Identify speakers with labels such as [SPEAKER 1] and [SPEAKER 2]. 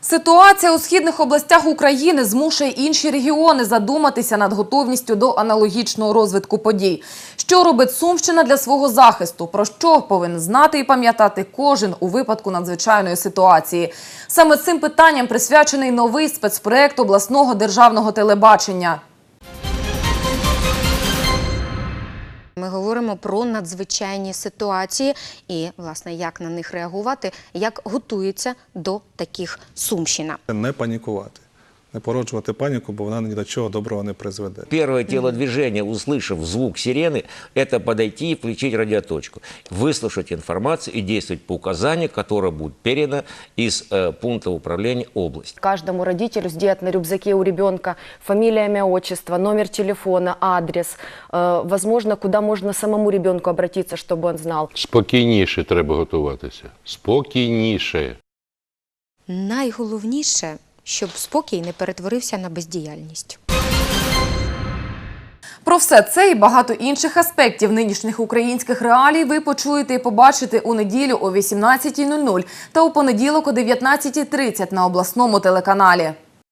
[SPEAKER 1] Ситуація у східних областях України змушує інші регіони задуматися над готовністю до аналогічного розвитку подій. Що робить Сумщина для свого захисту? Про що повинен знати і пам'ятати кожен у випадку надзвичайної ситуації? Саме цим питанням присвячений новий спецпроект обласного державного телебачення.
[SPEAKER 2] Ми говоримо про надзвичайні ситуації і, власне, як на них реагувати, як готується до таких Сумщина.
[SPEAKER 3] Не панікувати, не породжувати паніку, бо вона ні до чого доброго не призведе.
[SPEAKER 4] Первое телодвижение, услышав звук сирены, это подойти и включить радиоточку, выслушать информацию и действовать по указанию, которое будет передано из пункта управления области.
[SPEAKER 5] Каждому родителю сделать на рюкзаке у ребенка фамилия, имя, отчество, номер телефона, адрес, возможно, куда можно самому ребенку обратиться, чтобы он знал.
[SPEAKER 6] Спокійніше треба готуватися. Спокійніше.
[SPEAKER 2] Найголовніше, щоб спокій не перетворився на бездіяльність.
[SPEAKER 1] Про все це і багато інших аспектів нинішніх українських реалій ви почуєте і побачите у неділю о 18:00 та у понеділок о 19:30 на обласному телеканалі.